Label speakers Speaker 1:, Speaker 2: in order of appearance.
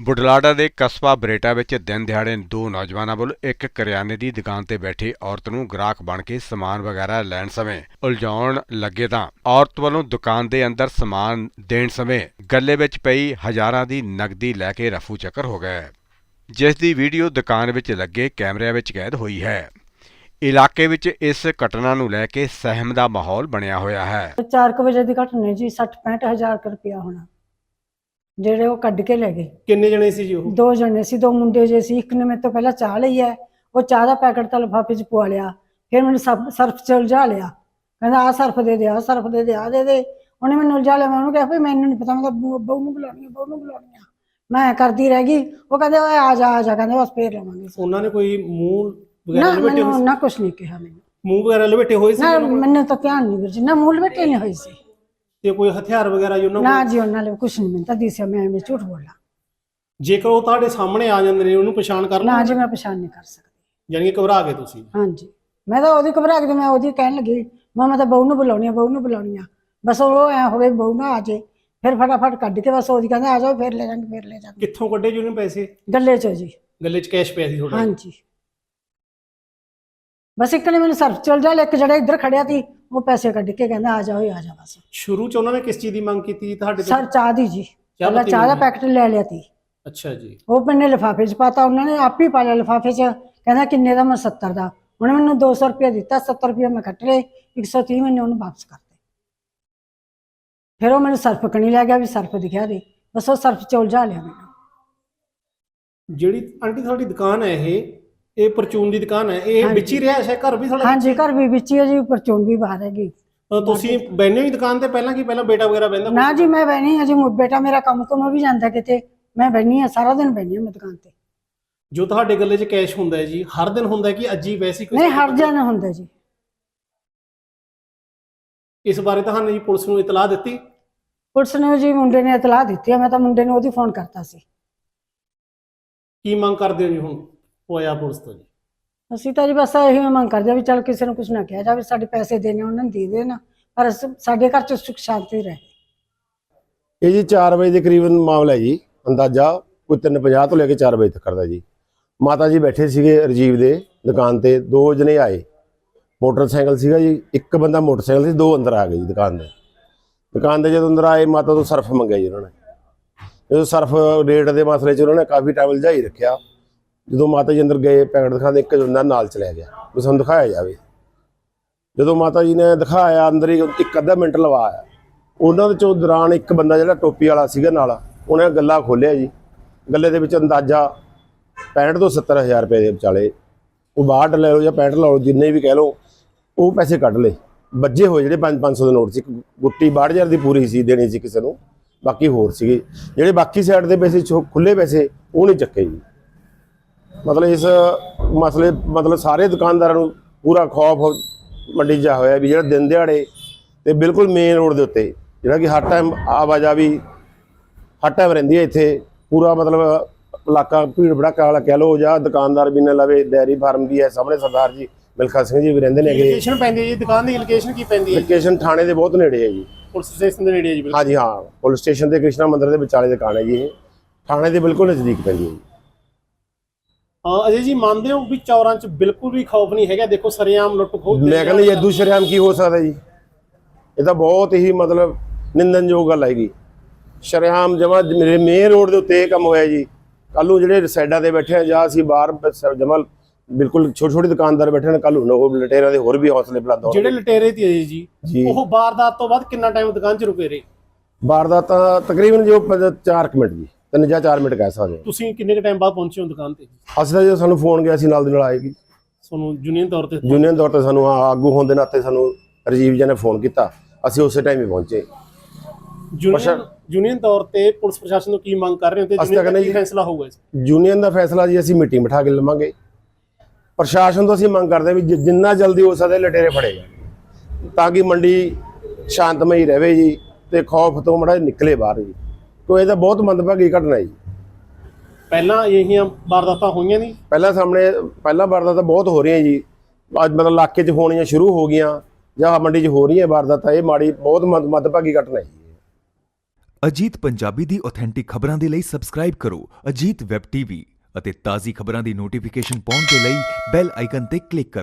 Speaker 1: ਬੁਢਲਾਡਾ ਦੇ ਕਸਬਾ ਬਰੇਟਾ ਵਿੱਚ ਦਿਨ ਦਿਹਾੜੇ ਦੋ ਨੌਜਵਾਨਾਂ ਵੱਲੋਂ ਇੱਕ ਕਰਿਆਨੇ ਦੀ ਦੁਕਾਨ ਤੇ ਬੈਠੀ ਔਰਤ ਨੂੰ ਗ੍ਰਾਹਕ ਬਣ ਕੇ ਸਮਾਨ ਵਗੈਰਾ ਲੈਣ ਸਮੇਂ ਉਲਝਾਉਣ ਲੱਗੇ ਤਾਂ ਔਰਤ ਵੱਲੋਂ ਦੁਕਾਨ ਦੇ ਅੰਦਰ ਸਮਾਨ ਦੇਣ ਸਮੇਂ ਗੱਲੇ ਵਿੱਚ ਪਈ ਹਜ਼ਾਰਾਂ ਦੀ ਨਕਦੀ ਲੈ ਕੇ ਰਫੂ ਚੱਕਰ ਹੋ ਗਏ, ਜਿਸ ਦੀ ਵੀਡੀਓ ਦੁਕਾਨ ਵਿੱਚ ਲੱਗੇ ਕੈਮਰਿਆਂ ਵਿੱਚ ਕੈਦ ਹੋਈ ਹੈ। ਇਲਾਕੇ ਵਿੱਚ ਇਸ ਘਟਨਾ ਨੂੰ ਲੈ ਕੇ ਸਹਿਮ ਦਾ ਮਾਹੌਲ ਬਣਿਆ ਹੋਇਆ ਹੈ।
Speaker 2: 4 ਵਜੇ ਦੀ ਘਟਨਾ ਜੀ 60-65 ਹਜ਼ਾਰ ਰੁਪਇਆ ਹੋਣਾ ਜਿਹੜੇ ਉਹ ਕੱਢ ਕੇ ਲੈ ਗਏ।
Speaker 3: ਕਿੰਨੇ ਜਣੇ ਸੀ ਜੀ ਉਹ?
Speaker 2: 2 ਜਣੇ ਸੀ, 2 ਮੁੰਡੇ ਜੇ ਸੀ। ਇੱਕ ਨੇ ਮੇਰੇ ਤੋਂ ਪਹਿਲਾਂ ਚਾਹ ਲਈ ਹੈ, ਉਹ ਚਾਹ ਦਾ ਪੈਕਟ ਤਾਂ ਲਿਫਾਫੇ 'ਚ ਪਵਾ ਲਿਆ। ਫਿਰ ਮੈਨੂੰ ਸਰਫ 'ਚ ਉਲਝਾ ਲਿਆ, ਕਹਿੰਦਾ ਆਹ ਸਰਫ ਦੇ ਦੇ, ਆਹ ਸਰਫ ਦੇ ਦੇ, ਆਹ ਦੇ ਦੇ। ਉਹਨੇ ਮੈਨੂੰ ਉਲਝਾ ਲਿਆ। ਮੈਂ ਉਹਨੂੰ ਕਿਹਾ ਵੀ ਮੈਨੂੰ ਨਹੀਂ ਪਤਾ, ਮੈਂ ਤਾਂ ਬਹੂ ਨੂੰ ਬੁਲਾਉਣੀ ਆ, ਬਹੂ ਨੂੰ ਬੁਲਾਉਣੀ ਆ। ਮੈਂ ਕਰਦੀ ਰਹਿ ਗਈ। ਉਹ ਕਹਿੰਦੇ ਓਏ ਆ ਜਾ ਆ ਜਾ, ਕਹਿੰਦੇ ਬਸ ਫੇਰ ਲਵਾਂਗੇ।
Speaker 3: ਉਹਨਾਂ ਨੇ ਕੋਈ ਮੂੰਹ
Speaker 2: ਨਾ ਮੈਨੂੰ ਨਾ ਕੁਛ ਨਹੀਂ ਕਿਹਾ, ਮੈਨੂੰ
Speaker 3: ਮੂੰਹ ਵਗੈਰਾ ਲਪੇਟੇ ਹੋਏ ਸੀ?
Speaker 2: ਨਾ ਮੈਨੂੰ ਤਾਂ ਧਿਆਨ ਨਹੀਂ ਵੀਰ ਜੀ, ਨਾ ਮੂੰਹ ਲਪੇਟੇ ਨਹੀਂ ਹੋਈ ਸੀ।
Speaker 3: ਤੇ ਕੋਈ ਹਥਿਆਰ ਵਗੈਰਾ ਜੀ ਉਹਨਾਂ
Speaker 2: ਨਾ ਜੀ ਉਹਨਾਂ ਨੇ ਕੁਛ ਨਹੀਂ, ਮੈਨੂੰ ਤਾਂ ਦਿਸਿਆ। ਮੈਂ ਐਵੇਂ ਝੂਠ ਬੋਲਾਂ?
Speaker 3: ਜੇਕਰ ਉਹ ਤੁਹਾਡੇ ਸਾਹਮਣੇ ਆ ਜਾਂਦੇ ਨੇ ਉਹਨੂੰ ਪਛਾਣ ਕਰ ਲਓ?
Speaker 2: ਨਾ ਜੀ ਮੈਂ ਪਛਾਣ ਨਹੀਂ ਕਰ ਸਕਦੀ।
Speaker 3: ਯਾਨੀ ਕਿ ਘਬਰਾ ਗਏ ਤੁਸੀਂ?
Speaker 2: ਹਾਂਜੀ, ਮੈਂ ਤਾਂ ਉਹਦੀ ਘਬਰਾ ਕੇ ਮੈਂ ਉਹਦੀ ਕਹਿਣ ਲੱਗੀ ਮੈਂ ਤਾਂ ਬਹੂ ਨੂੰ ਬੁਲਾਉਣੀ ਆ, ਬਹੂ ਨੂੰ ਬੁਲਾਉਣੀ ਆ। ਬਸ ਉਹ ਐ ਹੋਵੇ ਬਹੂ ਨਾ ਆ ਜੇ, ਫਿਰ ਫਟਾਫਟ ਕੱਢ ਕੇ ਬਸ ਉਹਦੀ ਕਹਿੰਦੇ ਆ ਜਾਓ, ਫਿਰ ਲੈ ਜਾਵਾਂਗੇ, ਫਿਰ ਲੈ ਜਾਵਾਂਗੇ।
Speaker 3: ਕਿੱਥੋਂ ਕੱਢੇ ਜੀ ਉਹਨੇ ਪੈਸੇ?
Speaker 2: ਗੱਲੇ 'ਚੋਂ ਜੀ।
Speaker 3: ਗੱਲੇ 'ਚ ਕੈਸ਼ ਪਿਆ ਸੀ ਤੁਹਾਡਾ?
Speaker 2: ਹਾਂਜੀ, ਬਸ ਇੱਕ ਨੇ ਮੈਨੂੰ ਸਰਫ ਚਲ ਜਾ, ਇੱਕ ਜਿਹੜਾ ਇੱਧਰ ਖੜਿਆ ਸੀ ਉਹ ਪੈਸੇ ਕੱਢ ਕੇ ਕਹਿੰਦਾ ਆ ਜਾਓ, ਆ ਜਾ। ਬਸ
Speaker 3: ਸ਼ੁਰੂ 'ਚ ਉਹਨਾਂ ਨੇ ਕਿਸ ਚੀਜ਼ ਦੀ ਮੰਗ ਕੀਤੀ ਤੁਹਾਡੇ ਤੋਂ?
Speaker 2: ਸਰ ਚਾਹ ਦੀ ਜੀ, ਪਹਿਲਾਂ ਚਾਹ ਦਾ ਪੈਕਟ ਲੈ ਲਿਆ ਸੀ।
Speaker 3: ਅੱਛਾ ਜੀ।
Speaker 2: ਉਹ ਮੈਨੇ ਲਿਫਾਫੇ 'ਚ ਪਾਤਾ, ਉਹਨਾਂ ਨੇ ਆਪ ਹੀ ਪਾ ਲਿਆ ਲਿਫਾਫੇ 'ਚ। ਕਹਿੰਦਾ ਕਿੰਨੇ ਦਾ? ਮੈਂ 70 ਦਾ। ਉਹਨੇ ਮੈਨੂੰ 200 ਰੁਪਇਆ ਦਿੱਤਾ, 70 ਰੁਪਇਆ ਮੈਂ ਕੱਟ ਲਏ, 130 ਮੈਨੇ ਉਹਨੂੰ ਵਾਪਸ ਕਰਤੇ। ਫਿਰ ਉਹ ਮੈਨੂੰ ਸਰਫ ਕਣੀ ਲੈ ਗਿਆ ਵੀ ਸਰਫ ਦਿਖਿਆ ਦੇ, ਬਸ ਉਹ ਸਰਫ 'ਚ ਉਲਝਾ ਲਿਆ ਮੈਨੂੰ।
Speaker 3: ਜਿਹੜੀ ਆਂਟੀ ਤੁਹਾਡੀ ਦੁਕਾਨ ਹੈ ਇਹ ਪਰਚੂਨ ਦੀ ਦੁਕਾਨ ਹੈ, ਇਹ ਵਿੱਚ ਹੀ ਰਿਹਾ ਹੈ ਘਰ ਵੀ ਤੁਹਾਡਾ?
Speaker 2: ਹਾਂਜੀ, ਘਰ ਵੀ ਵਿੱਚ ਹੀ ਹੈ ਜੀ, ਪਰਚੂਨ ਵੀ ਬਾਹਰ ਹੈਗੀ।
Speaker 3: ਤੁਸੀਂ ਬੈਠੇ ਹੋ ਦੁਕਾਨ ਤੇ ਪਹਿਲਾਂ? ਕੀ ਪਹਿਲਾਂ ਬੇਟਾ ਵਗੈਰਾ ਬੈਠਦਾ?
Speaker 2: ਨਾ ਜੀ ਮੈਂ ਬੈਣੀ ਹਾਂ ਜੀ, ਬੇਟਾ ਮੇਰਾ ਕੰਮ ਤੋਂ ਵੀ ਜਾਂਦਾ ਕਿਤੇ, ਮੈਂ ਬੈਣੀ ਹਾਂ ਸਾਰਾ ਦਿਨ ਬੈਣੀ ਹਾਂ ਮੈਂ ਦੁਕਾਨ ਤੇ।
Speaker 3: ਜੋ ਤੁਹਾਡੇ ਗੱਲੇ 'ਚ ਕੈਸ਼ ਹੁੰਦਾ ਹੈ ਜੀ, ਹਰ ਦਿਨ ਹੁੰਦਾ ਕਿ ਅੱਜ ਹੀ ਵੈਸੇ ਕੋਈ?
Speaker 2: ਨਹੀਂ, ਹਰ ਦਿਨ ਹੁੰਦਾ ਜੀ।
Speaker 3: ਇਸ ਬਾਰੇ ਤੁਹਾਨੂੰ ਜੀ ਪੁਲਿਸ ਨੂੰ ਇਤਲਾਹ ਦਿੱਤੀ?
Speaker 2: ਪੁਲਿਸ ਨੇ ਜੀ ਮੁੰਡੇ ਨੇ ਇਤਲਾਹ ਦਿੱਤੀ ਹੈ, ਮੈਂ ਤਾਂ ਮੁੰਡੇ ਨੂੰ ਉਹਦੀ ਫੋਨ ਕਰਤਾ ਸੀ।
Speaker 3: ਕੀ ਮੰਗ ਕਰਦੇ ਹੋ ਜੀ ਹੁਣ ਹੋਇਆ ਪੁਲਿਸ ਤੋਂ ਜੀ?
Speaker 2: ਅਸੀਂ ਤਾਂ ਜੀ ਬਸ ਇਹੀ ਮੰਗ ਕਰਦੇ ਆ ਵੀ ਚੱਲ ਕਿਸੇ ਨੂੰ ਕੁਝ ਨਾ ਕਿਹਾ ਜਾਵੇ, ਸਾਡੇ ਪੈਸੇ ਦੇਣੇ ਉਹਨਾਂ ਨੂੰ ਦੇ ਦੇਣ, ਪਰ ਸਾਡੇ ਘਰ 'ਚ ਸੁੱਖ ਸ਼ਾਂਤੀ ਰਹੇ।
Speaker 4: ਇਹ ਜੀ 4 ਵਜੇ ਦੇ ਕਰੀਬਨ ਮਾਮਲਾ ਹੈ ਜੀ, ਅੰਦਾਜ਼ਾ ਕੋਈ 3:50 ਤੋਂ ਲੈ ਕੇ 4 ਵਜੇ ਤੱਕ ਦਾ ਜੀ। ਮਾਤਾ ਜੀ ਬੈਠੇ ਸੀਗੇ ਰਜੀਵ ਦੇ ਦੁਕਾਨ ਤੇ, 2 ਜਣੇ ਆਏ, ਮੋਟਰਸਾਈਕਲ ਸੀਗਾ ਜੀ, ਇੱਕ ਬੰਦਾ ਮੋਟਰਸਾਈਕਲ ਸੀ, 2 ਅੰਦਰ ਆ ਗਏ ਜੀ ਦੁਕਾਨ ਦੇ। ਜਦੋਂ ਅੰਦਰ ਆਏ ਮਾਤਾ ਤੋਂ ਸਰਫ ਮੰਗਿਆ ਜੀ ਉਹਨਾਂ ਨੇ। ਜਦੋਂ ਸਰਫ ਰੇਟ ਦੇ ਮਸਲੇ 'ਚ ਉਹਨਾਂ ਨੇ ਕਾਫੀ ਟਾਈਮ ਲਜਾਈ ਰੱਖਿਆ। ਜਦੋਂ ਮਾਤਾ ਜੀ ਅੰਦਰ ਗਏ ਪੈਕਟ ਦਿਖਾਉਂਦੇ, ਇੱਕ ਬੰਦਾ ਨਾਲ ਚਲਿਆ ਗਿਆ ਵੀ ਸਾਨੂੰ ਦਿਖਾਇਆ ਜਾਵੇ। ਜਦੋਂ ਮਾਤਾ ਜੀ ਨੇ ਦਿਖਾਇਆ, ਅੰਦਰ ਹੀ 1 ਅੱਧਾ ਮਿੰਟ ਲਵਾਇਆ। ਉਹਨਾਂ ਦੇ ਚੋਂ ਦੌਰਾਨ ਇੱਕ ਬੰਦਾ ਜਿਹੜਾ ਟੋਪੀ ਵਾਲਾ ਸੀਗਾ ਨਾਲ, ਉਹਨੇ ਗੱਲਾ ਖੋਲ੍ਹਿਆ ਜੀ। ਗੱਲੇ ਦੇ ਵਿੱਚ ਅੰਦਾਜ਼ਾ 65 ਤੋਂ 70 ਹਜ਼ਾਰ ਰੁਪਏ ਦੇ ਵਿਚਾਲੇ, ਉਹ 62 ਲੈ ਲਓ ਜਾਂ 65 ਲੈ ਲਓ, ਜਿੰਨੇ ਵੀ ਕਹਿ ਲਓ, ਉਹ ਪੈਸੇ ਕੱਢ ਲਏ। ਵੱਜੇ ਹੋਏ ਜਿਹੜੇ 500 ਦੇ ਨੋਟ ਸੀ, ਇੱਕ ਗੁੱਟੀ 62,000 ਦੀ ਪੂਰੀ ਸੀ ਦੇਣੀ ਸੀ ਕਿਸੇ ਨੂੰ, ਬਾਕੀ ਹੋਰ ਸੀਗੇ ਜਿਹੜੇ ਬਾਕੀ ਸਾਈਡ ਦੇ ਪੈਸੇ ਖੁੱਲੇ ਪੈਸੇ ਉਹ ਨਹੀਂ ਚੱਕੇ ਜੀ। ਮਤਲਬ ਇਸ ਮਸਲੇ ਸਾਰੇ ਦੁਕਾਨਦਾਰਾਂ ਨੂੰ ਪੂਰਾ ਖੌਫ ਮੰਡੀ 'ਚ ਹੋਇਆ ਵੀ ਜਿਹੜਾ ਦਿਨ ਦਿਹਾੜੇ ਤੇ ਬਿਲਕੁਲ ਮੇਨ ਰੋਡ ਦੇ ਉੱਤੇ ਜਿਹੜਾ ਕਿ ਹਰ ਟਾਈਮ ਆਵਾਜਾਈ ਹਰ ਟਾਈਮ ਰਹਿੰਦੀ ਹੈ ਇੱਥੇ, ਪੂਰਾ ਮਤਲਬ ਇਲਾਕਾ ਭੀੜ ਭੜਾਕਾ ਵਾਲਾ ਕਹਿ ਲਓ, ਜਾਂ ਦੁਕਾਨਦਾਰ ਵੀ ਨਾ ਲਵੇ। ਡੈਰੀ ਫਾਰਮ ਵੀ ਹੈ ਸਾਹਮਣੇ, ਸਰਦਾਰ ਜੀ ਮਿਲਖਾ ਸਿੰਘ ਜੀ ਵੀ ਰਹਿੰਦੇ ਨੇ।
Speaker 3: ਲੋਕੇਸ਼ਨ ਪੈਂਦੀ ਹੈ ਜੀ ਦੁਕਾਨ ਦੀ? ਲੋਕੇਸ਼ਨ ਕੀ ਪੈਂਦੀ ਹੈ?
Speaker 4: ਲੋਕੇਸ਼ਨ ਥਾਣੇ ਦੇ ਬਹੁਤ ਨੇੜੇ ਹੈ ਜੀ,
Speaker 3: ਪੁਲਿਸ ਸਟੇਸ਼ਨ ਦੇ ਨੇੜੇ ਹੈ ਜੀ?
Speaker 4: ਹਾਂਜੀ ਹਾਂ, ਪੁਲਿਸ ਸਟੇਸ਼ਨ ਤੇ ਕ੍ਰਿਸ਼ਨਾ ਮੰਦਿਰ ਦੇ ਵਿਚਾਲੇ ਦੁਕਾਨ ਹੈ ਜੀ। ਇਹ ਥਾਣੇ ਦੇ ਬਿਲਕੁਲ ਨਜ਼ਦੀਕ ਪੈਂਦੀ ਹੈ ਜੀ।
Speaker 3: ਅਜੇ ਜੀ ਮੰਨਦੇ ਹੋ ਵੀ ਚੌਰਾਂ 'ਚ ਬਿਲਕੁਲ ਵੀ ਖੌਫ ਨਹੀਂ ਹੈਗਾ? ਦੇਖੋ ਸਰੇਆਮ ਲੁੱਟ ਖੋਹ।
Speaker 4: ਮੈਂ ਕਹਿੰਦਾ ਜੀ ਇਦੂ ਸ਼ਰੇਆਮ ਕੀ ਹੋ ਸਕਦਾ ਜੀ? ਇਹ ਤਾਂ ਬਹੁਤ ਹੀ ਮਤਲਬ ਨਿੰਦਣਯੋਗ ਗੱਲ ਹੈਗੀ। ਸ਼ਰੇਆਮ ਜਮਾ ਮੇਰੇ ਮੇਨ ਰੋਡ ਦੇ ਉੱਤੇ ਇਹ ਕੰਮ ਹੋਇਆ ਜੀ। ਕੱਲ ਨੂੰ ਜਿਹੜੇ ਸਾਈਡਾਂ ਤੇ ਬੈਠੇ ਆ ਜਾਂ ਅਸੀਂ ਬਾਹਰ ਜਮਾ ਬਿਲਕੁਲ ਛੋਟੀ ਦੁਕਾਨਦਾਰ ਬੈਠੇ ਨੇ, ਕੱਲ ਨੂੰ ਉਹ ਲਟੇਰਿਆਂ ਦੇ ਹੋਰ ਵੀ ਹੌਸਲੇ ਬੁਲੰਦ ਹੋਣ।
Speaker 3: ਜਿਹੜੇ ਲਟੇਰੇ ਤੇ ਜੀ ਉਹ ਵਾਰਦਾਤ ਤੋਂ ਬਾਅਦ ਕਿੰਨਾ ਟਾਈਮ ਦੁਕਾਨ 'ਚ ਰੁਕੇ ਰਹੇ?
Speaker 4: ਵਾਰਦਾਤ ਤਾਂ ਤਕਰੀਬਨ ਜੋ 4 ਮਿੰਟ ਜੀ, 3 ਜਾਂ 4 ਮਿੰਟ ਕਹਿ ਸਕਦੇ।
Speaker 3: ਤੁਸੀਂ ਕਿੰਨੇ ਕੁ ਟਾਈਮ ਬਾਅਦ ਪਹੁੰਚੇ ਹੋ ਦੁਕਾਨ ਤੇ?
Speaker 4: ਅਸੀਂ ਤਾਂ ਜਦੋਂ ਸਾਨੂੰ ਫੋਨ ਗਿਆ, ਅਸੀਂ ਨਾਲ ਦੀ ਨਾਲ ਆਏਗੀ।
Speaker 3: ਤੁਹਾਨੂੰ ਯੂਨੀਅਨ ਤੌਰ ਤੇ
Speaker 4: ਸਾਨੂੰ ਆਗੂ ਹੋਣ ਦੇ ਨਾਤੇ ਸਾਨੂੰ ਰਜੀਵ ਜੀ ਨੇ ਫੋਨ ਕੀਤਾ, ਅਸੀਂ ਉਸੇ ਟਾਈਮ ਹੀ ਪਹੁੰਚੇ।
Speaker 3: ਯੂਨੀਅਨ ਤੌਰ ਤੇ ਪੁਲਿਸ ਪ੍ਰਸ਼ਾਸਨ ਤੋਂ ਕੀ ਮੰਗ ਕਰ ਰਹੇ ਹੋ ਤੇ ਕੀ ਫੈਸਲਾ ਹੋਊਗਾ ਇਸ?
Speaker 4: ਯੂਨੀਅਨ ਦਾ ਫੈਸਲਾ ਜੀ ਅਸੀਂ ਮੀਟਿੰਗ ਬਿਠਾ ਕੇ ਲਵਾਂਗੇ। ਪ੍ਰਸ਼ਾਸਨ ਤੋਂ ਅਸੀਂ ਮੰਗ ਕਰਦੇ ਹਾਂ ਵੀ ਜਿੰਨਾ ਜਲਦੀ ਹੋ ਸਕਦਾ ਲਟੇਰੇ ਫੜੇ ਜਾਣ, ਤਾਂ ਕਿ ਮੰਡੀ ਸ਼ਾਂਤਮਈ ਰਹੇ ਜੀ ਤੇ ਖੌਫ ਤੋਂ ਮੜਾ ਨਿਕਲੇ ਬਾਹਰ ਜੀ। ਕੋਈ ਇਹਦਾ ਬਹੁਤ ਮੰਦਭਾਗੀ ਘਟਨਾ ਜੀ।
Speaker 3: ਪਹਿਲਾਂ ਇਹੀਆਂ ਵਾਰਦਾਤਾਂ ਹੋਈਆਂ ਨਹੀਂ?
Speaker 4: ਪਹਿਲਾਂ ਵਾਰਦਾਤਾਂ ਬਹੁਤ ਹੋ ਰਹੀਆਂ ਜੀ। ਅੱਜ ਮਤਲਬ ਇਲਾਕੇ 'ਚ ਹੋਣੀਆਂ ਸ਼ੁਰੂ ਹੋ ਗਈਆਂ ਜਾਂ ਮੰਡੀ 'ਚ ਹੋ ਰਹੀਆਂ ਵਾਰਦਾਤਾਂ। ਇਹ ਮਾੜੀ ਬਹੁਤ ਮੰਦਭਾਗੀ ਘਟਨਾ ਹੈ।
Speaker 5: ਅਜੀਤ ਪੰਜਾਬੀ ਦੀ ਆਥੈਂਟਿਕ ਖਬਰਾਂ ਦੇ ਲਈ ਸਬਸਕ੍ਰਾਈਬ ਕਰੋ ਅਜੀਤ ਵੈਬ ਟੀਵੀ ਅਤੇ ਤਾਜ਼ੀ ਖਬਰਾਂ ਦੀ ਨੋਟੀਫਿਕੇਸ਼ਨ ਪਾਉਣ ਦੇ ਲਈ ਬੈਲ ਆਈਕਨ ਤੇ ਕਲਿੱਕ ਕਰੋ।